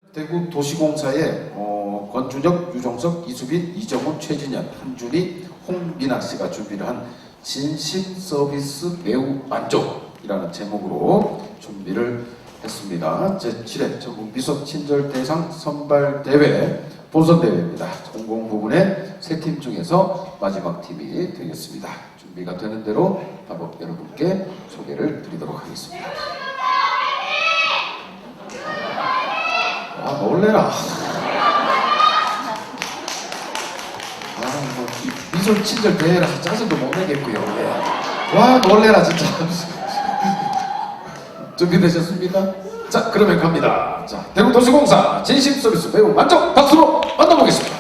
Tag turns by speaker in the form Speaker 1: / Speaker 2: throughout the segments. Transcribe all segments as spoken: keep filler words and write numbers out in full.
Speaker 1: 대구 도시공사의 어, 권준혁, 유종석, 이수빈, 이정훈, 최진현, 한준희, 홍민아 씨가 준비를 한 진심 서비스 매우 만족이라는 제목으로 준비를 했습니다. 제칠 회 전국 미소 친절 대상 선발 대회 본선 대회입니다. 공공 부분의 세 팀 중에서 마지막 팀이 되겠습니다. 준비가 되는 대로 바로 여러분께 소개를 드리도록 하겠습니다. 아, 놀래라. 아, 뭐, 미소 친절 대회라서 짜증도 못 내겠고요. 예. 와, 놀래라, 진짜. 준비되셨습니까? 자, 그러면 갑니다. 자, 대구도시공사 진심 서비스 매우 만족 박수로 만나보겠습니다.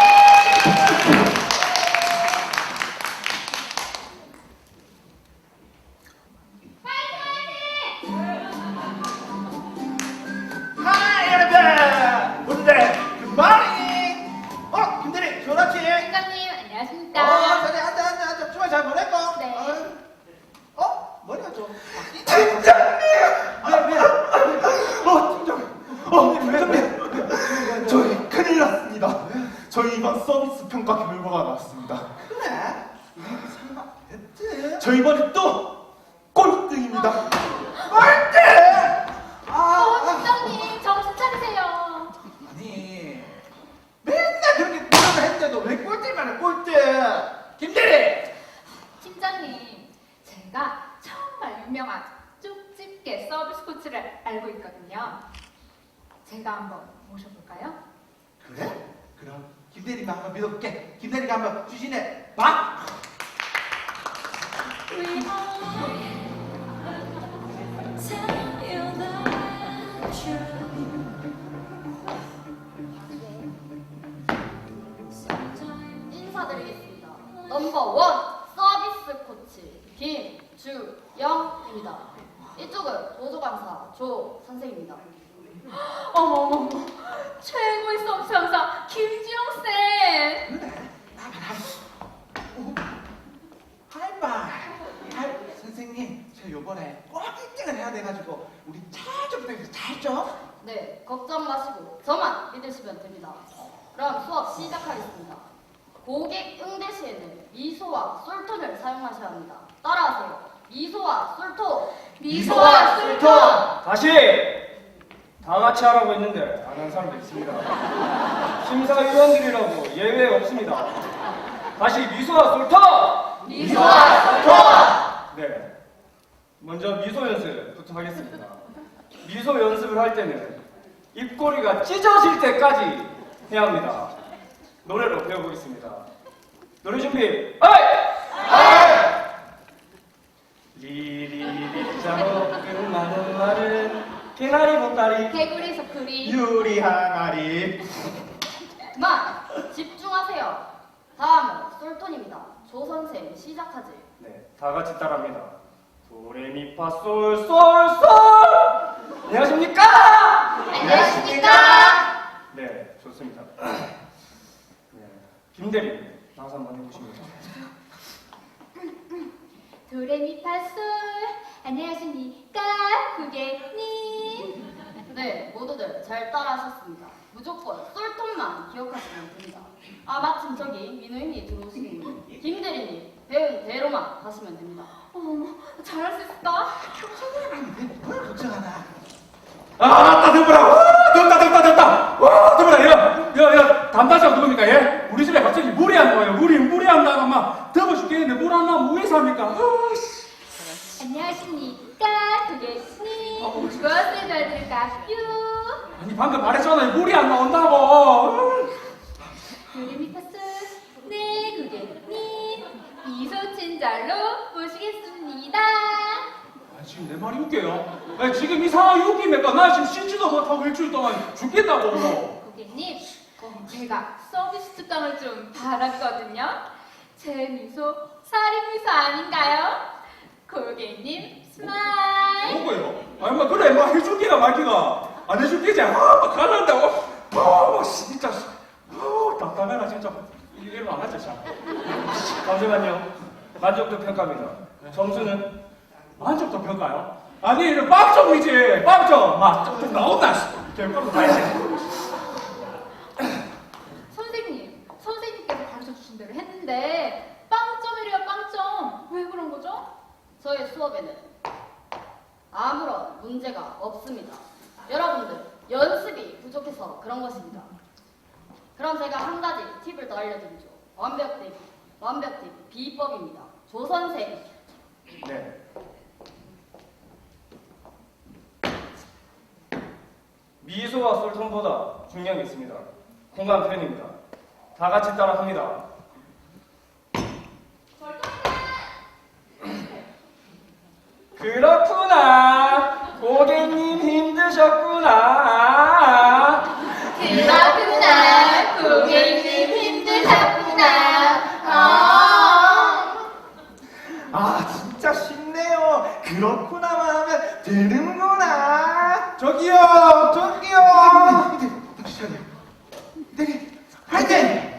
Speaker 2: 저희 이번 서비스 평가 결과가 나왔습니다.
Speaker 3: 그래? 설마 됐지?
Speaker 2: 저 이번에 또 꼴등입니다.
Speaker 3: 꼴등! 아,
Speaker 4: 어, 팀장님 정신 차리세요.
Speaker 3: 아니 맨날 그렇게 노력을 했는데도 왜 꼴등만 해 꼴등? 김대리!
Speaker 4: 팀장님, 제가 정말 유명한 쪽집게 서비스 코치를 알고 있거든요. 제가 한번 모셔볼까요?
Speaker 3: 그래? 그럼 김대리가 한번 믿어볼게. 김대리가 한번 주신해 봐!
Speaker 4: 인사드리겠습니다. 넘버원 서비스 코치 김주영입니다. 이쪽은 보조강사 조 선생입니다. 어머머머, 최고의 서비스 강사 김주영쌤.
Speaker 3: 그래? 나봐라. 하이파이. 하이 선생님, 저 요번에 꼭 일 등을 해야 돼가지고 우리 잘 부탁해서 잘 좀.
Speaker 4: 네, 걱정 마시고 저만 믿으시면 됩니다. 그럼 수업 시작하겠습니다. 고객 응대 시에는 미소와 솔톤을 사용하셔야 합니다. 따라하세요. 미소와 솔톤.
Speaker 3: 미소와 솔톤!
Speaker 5: 다시! 다 같이 하라고 했는데 안 하는 사람도 있습니다. 심사위원들이라고 예외 없습니다. 다시 미소와 솔터!
Speaker 4: 미소와 솔톤.
Speaker 5: 네, 먼저 미소 연습부터 하겠습니다. 미소 연습을 할 때는 입꼬리가 찢어질 때까지 해야 합니다. 노래로 배워보겠습니다. 노래 준비, 어이! 리리리 자로 끝나는 말은 개나리 보따리
Speaker 4: 개구리 소쿠리.
Speaker 2: 유리 항아리.
Speaker 4: 그만 집중하세요. 다음은 솔톤입니다. 조 선생 시작하지.
Speaker 5: 네, 다 같이 따라합니다. 도레미파솔솔솔. 안녕하십니까?
Speaker 4: 안녕하십니까?
Speaker 5: 네, 좋습니다. 네, 김대리 나와서 한번 해보십니다.
Speaker 4: 도레미파솔. 안녕하십니까 고객님. 네, 모두들 잘 따라하셨습니다. 무조건 솔톤만 기억하시면 됩니다. 아, 마침 저기 민호인이 들어오시니 김대리님 배운 대로만 하시면 됩니다. 어머, 잘할 수 있을까?
Speaker 3: 뭘 걱정하나?
Speaker 2: 아, 따뜻하라. 덥다, 덥다, 덥다. 와, 덥다. 야, 야, 야, 담당자가 누굽니까? 예? 우리 집에 갑자기 물이 안 나와요. 물이, 물이 안 나가 막 더워 죽겠는데 물 안 나오면 왜 삽니까? 아, 씨.
Speaker 4: 안녕하십니까 고객님. 무엇을 도와드릴까요?
Speaker 2: 아니, 방금 말했잖아요. 물이 안 나온다고.
Speaker 4: 도레미파솔. 네 고객님, 미소 친절로 모시겠습니다.
Speaker 2: 아, 지금 내 말이 웃겨요. 아, 지금 이 상황이 웃깁니까? 나 지금 씻지도 못하고 일주일 동안 죽겠다고.
Speaker 4: 고객님, 제가 서비스 특강을 좀 받았거든요. 제 미소 살인 미소 아닌가요? 고객님 스마일.
Speaker 2: 뭐고요? 아니, 뭐 그래, 뭐 해줄게야 말기가. 안 해줄게지. 아, 막 가난다고. 아, 막 진짜. 아, 답답해라 진짜. 이래로 안 하자, 참.
Speaker 5: 잠시만요. 만족도 평가입니다. 점수는
Speaker 2: 만족도 평가요? 아니, 이거 빵점이지. 빵점. 막, 좀 나온다. 씨. 될 거로 다 해.
Speaker 4: 문제가 없습니다. 여러분들 연습이 부족해서 그런 것입니다. 그럼 제가 한 가지 팁을 더 알려드리죠. 완벽 대비, 완벽 대비 비법입니다. 조선생.
Speaker 5: 네. 미소와 솔톤보다 중요한 게 있습니다. 공간 표현입니다. 다 같이 따라 합니다. 그렇구나. 고객님 힘드셨구나.
Speaker 4: 그렇구나. 고객님 힘드셨구나. 아.
Speaker 3: 아 진짜 쉽네요. 그렇구나만 하면 되는구나.
Speaker 2: 저기요, 저기요.
Speaker 3: 다시 차려. 네, 화이팅!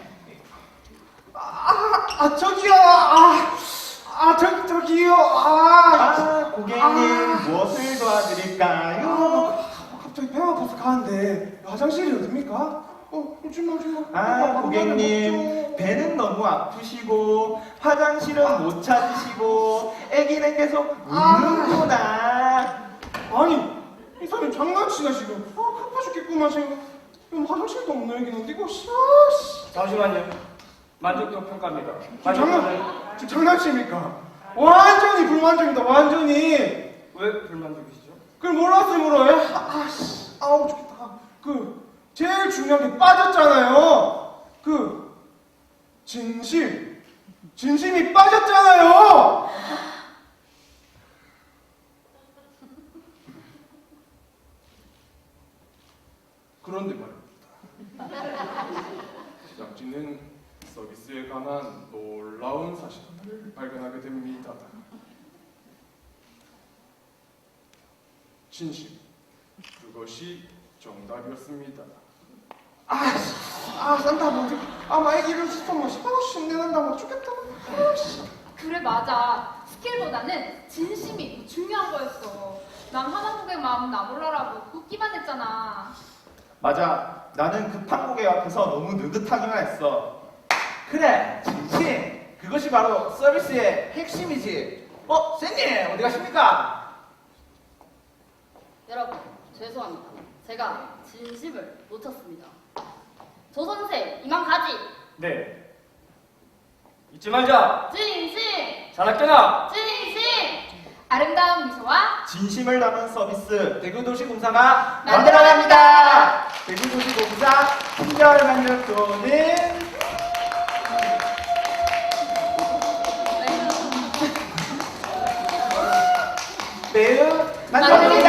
Speaker 2: 아, 아 저기요. 아, 아 저기 저기요. 아,
Speaker 3: 아 고객님 무엇을 도와드릴까요?
Speaker 2: 아, 갑자기 배가 아파서 가는데 화장실이 어딥니까? 어, 오지마 오지마.
Speaker 3: 아 고객님 배는 너무 아프시고 화장실은 못 찾으시고 애기는 계속 우는구나.
Speaker 2: 아니, 이 사람이 장난치나 지금. 아, 아파 죽겠구만 지금. 지금 화장실도 없는 얘기는 어디고, 씨. 아, 씨.
Speaker 5: 잠시만요. 만족도 평가입니다.
Speaker 2: 지금
Speaker 5: 만족도는
Speaker 2: 장난, 지금 장난칩니까? 완전히 불만족이다, 완전히.
Speaker 5: 왜 불만족이시죠?
Speaker 2: 그걸 몰랐으므로, 예? 아, 씨. 아우, 좋겠다. 그, 제일 중요한 게 빠졌잖아요. 그, 진심. 진심이 빠졌잖아요.
Speaker 6: 그런데 말입니다. 제작진은 서비스에 관한 놀라운 사실을 발견하게 됩니다. 진심, 그것이 정답이었습니다.
Speaker 2: 아, 씨. 아, 산타 뭐지? 아, 막 애기를 싶어, 막, 아, 신내는다, 막 죽겠다. 아, 씨.
Speaker 7: 그래 맞아. 스킬보다는 진심이 중요한 거였어. 난 하나 고객 마음 나 몰라라고 웃기만 했잖아.
Speaker 3: 맞아. 나는 급한 고객 앞에서 너무 느긋하기만 했어. 그래, 진심. 그것이 바로 서비스의 핵심이지. 어, 쌤님 어디 가십니까?
Speaker 4: 여러분, 죄송합니다. 제가 진심을 놓쳤습니다. 조선생, 이만 가지.
Speaker 5: 네. 잊지 말자.
Speaker 4: 진심,
Speaker 5: 잘할게나.
Speaker 4: 진심.
Speaker 7: 아름다운 미소와
Speaker 3: 진심을 담은 서비스 대구도시공사가
Speaker 7: 만들어갑니다.
Speaker 3: 만들어갑니다. 대구도시공사 품절 만족도는 매우 만족합니다.